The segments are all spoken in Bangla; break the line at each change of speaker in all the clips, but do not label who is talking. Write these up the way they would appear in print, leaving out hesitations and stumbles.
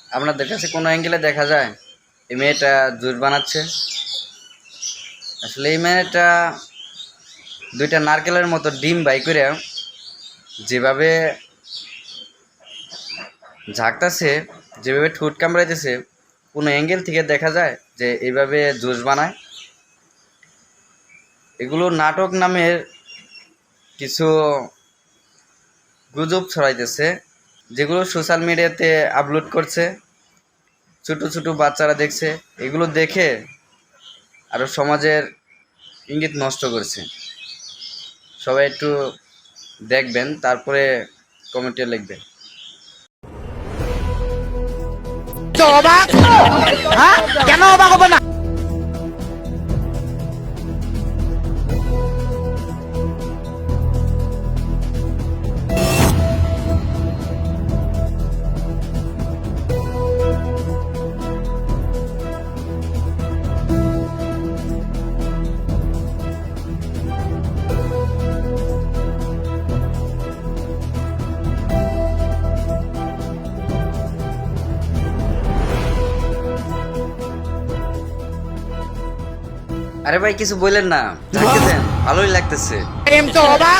আপনাদের কাছে কোনো অ্যাঙ্গেলে দেখা যায় এই মেয়েটা জুস বানাচ্ছে? আসলে এই মেয়েটা দুইটা নারকেলের মতো ডিম বাই করে যেভাবে ঝাঁকতাছে, যেভাবে ঠোঁট কামড়াইতেছে, কোনো অ্যাঙ্গেল থেকে দেখা যায় যে এইভাবে জুস বানায়? এগুলো নাটক নামের কিছু গুজব ছড়াইতেছে, যেগুলো সোশ্যাল মিডিয়াতে আপলোড করছে, ছোট ছোট বাচ্চারা দেখছে, এগুলো দেখে আরও সমাজের ইঙ্গিত নষ্ট করছে। সবাই একটু দেখবেন, তারপরে কমেন্টে লিখবেন।
অবাক, হ্যাঁ কেন অবাক হবে না?
আরে ভাই কিছু বললেন না, ঝাঁকে দেন, ভালোই লাগতেছে।
প্রেম তো অবাক।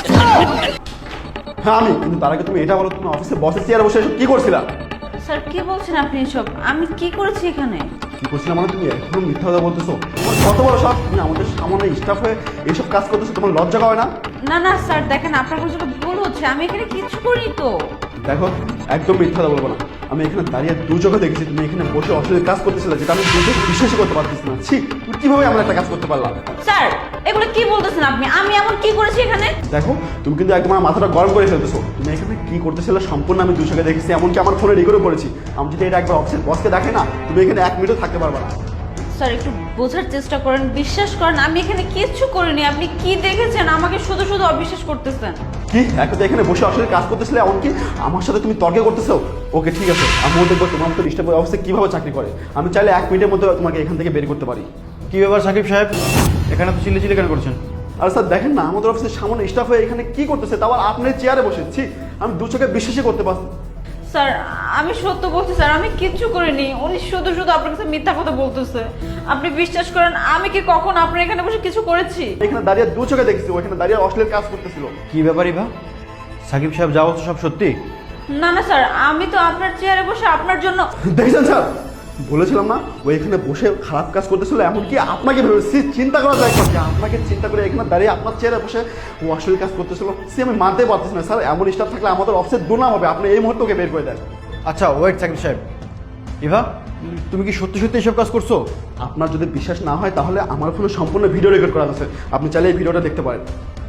হ্যাঁ আমি, কিন্তু তার আগে তুমি এটা বলো, তুমি অফিসে বসের চেয়ারে বসে এসব কি করছিলা?
স্যার কি বলছেন আপনি এসব? আমি কি করেছি এখানে?
কি করছিলাম মানে তুমি এখনো মিথ্যা কথা বলতেছো? তোমার কত বড় সাহস, তুমি আমাদের সামনে স্টাফ হয়ে এইসব কাজ করতেছো, তোমার লজ্জা করে না?
না না স্যার, দেখেন আপনার কাছে ভুল হচ্ছে, আমি এখানে কিছু করিনি তো।
দেখো, একদম মিথ্যা কথা বলবো না। আমি এখানে দাঁড়িয়ে দু চোখে দেখেছি তুমি এখানে বসে অশ্লীল কাজ করতেছিলে, যেটা আমি দু চোখে বিশ্বাসই করতে পারতেছি না। ছি, তুমি কিভাবে এমন একটা কাজ করতে পারলাম?
স্যার এগুলো কি বলতেছেন আপনি? আমি এমন কি করেছি এখানে?
দেখো, তুমি কিন্তু একদম আমার মাথাটা গরম করে ফেলতেছো। তুমি এখানে কি করতেছিলে সম্পূর্ণ আমি দু চোখে দেখেছি, এমনকি আমার ফোনে রেকর্ডও করেছি। আমি যদি এটা একবার অফিসের বসকে দেখে না, তুমি এখানে এক মিনিটও থাকতে পারবে না।
স্যার একটু বোঝার চেষ্টা করেন, বিশ্বাস করেন, আমি এখানে কিচ্ছু করিনি। আপনি কি দেখেছেন? আমাকে শুধু শুধু অবিশ্বাস করতেছেন।
কি এখন এখানে বসে অশ্লীল কাজ করতেছিলে, এমনকি আমার সাথে তুমি তর্কে করতেছো? ওকে ঠিক আছে, আমিও দেখবো তোমার মতো ডিস্টার্ব অবস্থায় কিভাবে চাকরি করে। আমি চাইলে এক মিনিটের মধ্যে তোমাকে এখান থেকে বের করতে পারি।
কি ব্যাপার সাকিব সাহেব, এখানে তো চিল্লি কেন করছেন?
আর স্যার দেখেন না, আমাদের অফিসের সামনে স্টাফ হয়ে এখানে কি করতেছে, তারপর আপনার চেয়ারে বসেছি। আমি দু চোখে বিশ্বাসই করতে পারছি।
স্যার আমি সত্য বলছি স্যার, আমি কিচ্ছু করিনি। উনি শুধু শুধু আপনার কাছে মিথ্যা কথা বলতেছে। আপনি বিশ্বাস করেন, আমি কি কখন আপনার এখানে বসে কিছু করেছি?
এখানে দাঁড়িয়ে দু চোখে দেখছি, ওইখানে দাঁড়িয়ে অশ্লীল কাজ করতেছিল।
কি ব্যাপারই বা সাকিব সাহেব, যা বলছো সব সত্যি?
না না স্যার, আমি তো আপনার চেয়ারে বসে আপনার জন্য।
দেখছেন স্যার, বলেছিলাম না ও এখানে বসে খারাপ কাজ করতেছিল, এমনকি আপনাকে ভেবেছি। চিন্তা করা যায় যে আপনাকে চিন্তা করে এখানে দাঁড়িয়ে আপনার চেয়ারে বসে ও অশ্লীল কাজ করতেছিল। সে আমি মানতে পারতেছি না স্যার, এমন স্টাফ থাকলে আমাদের অফিসের দুর্নাম হবে। আপনি এই মুহূর্তে ওকে বের করে দেন।
আচ্ছা ওয়েট সাকিব সাহেব, ইভা তুমি কি সত্যি সত্যি এসব কাজ করছো?
আপনার যদি বিশ্বাস না হয় তাহলে আমার ফোনে সম্পূর্ণ ভিডিও রেকর্ড করা আছে, আপনি চাইলে এই ভিডিওটা দেখতে পারেন।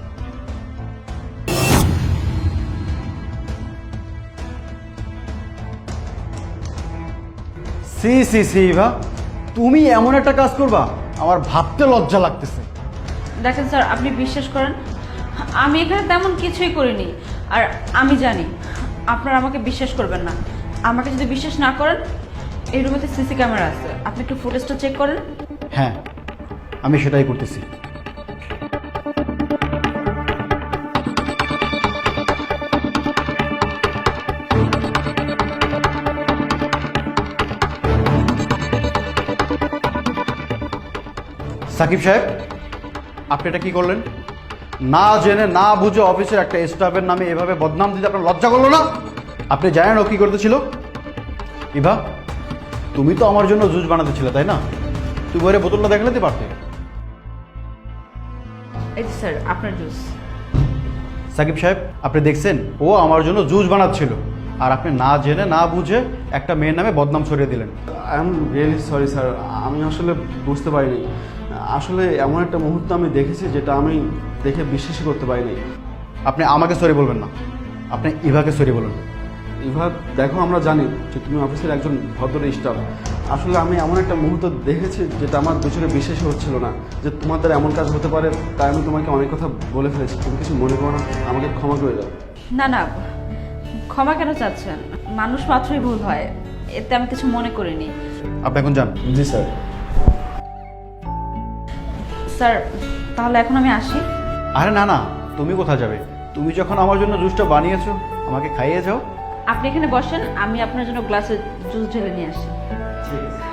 সি সি সি ইভা, তুমি এমন একটা কাজ করবা, আমার ভাবতে লজ্জা লাগতেছে।
দেখেন স্যার, আপনি বিশ্বাস করেন, আমি এখানে তেমন কিছুই করিনি। আর আমি জানি আপনারা আমাকে বিশ্বাস করবেন না। আমাকে যদি বিশ্বাস না করেন, এই রুমেতে সিসি ক্যামেরা আছে, আপনি একটু ফুটেজটা চেক করেন।
হ্যাঁ, আমি সেটাই করতেছি। সাকিব সাহেব, আপনি এটা কি করলেন? না জেনে না বুঝে অফিসের একটা স্টাফের নামে এভাবে বদনাম দিতে আপনার লজ্জা করলো না? আপনি জানেন ও কি করতেছিল? ইভা, তুমি তো আমার জন্য জুস বানাতেছিলে তাই না? তুমি ওরে বোতলটা দেখে নিতে পারতে।
এই যে স্যার আপনার জুস।
সাকিব সাহেব, আপনি দেখছেন ও আমার জন্য জুস বানাচ্ছিল, আর আপনি না জেনে না বুঝে একটা মেয়ের নামে বদনাম ছড়িয়ে দিলেন।
I am really sorry sir, আমি আসলে বুঝতে পারিনি। আসলে এমন একটা মুহূর্ত আমি দেখেছি যেটা আমি দেখে বিশ্বাসই করতে পারিনি।
আপনি আমাকে সরি বলবেন না, আপনি ইভাকে সরি বলুন।
ইভা দেখো, আমরা জানি যে তুমি অফিসের একজন ভদ্র স্টাফ। আসলে আমি এমন একটা মুহূর্ত দেখেছি যেটা আমার দুচোখে বিশ্বাসই হচ্ছিল না যে তোমাদের এমন কাজ হতে পারে। তাই আমি তোমাকে অনেক কথা বলে ফেলেছি, তুমি কিছু মনে করো না, আমাকে ক্ষমা করে দাও।
না না, ক্ষমা কেন চাচ্ছেন? মানুষ মাত্রই ভুল হয়, এতে আমি কিছু মনে করিনি।
আপনি এখন যান।
জি স্যার।
স্যার তাহলে এখন আমি আসি।
আরে না না, তুমি কোথায় যাবে? তুমি যখন আমার জন্য জুসটা বানিয়েছো, আমাকে খাইয়ে যাও।
আপনি এখানে বসেন, আমি আপনার জন্য গ্লাসে জুস ঢেলে নিয়ে আসি।
ঠিক আছে।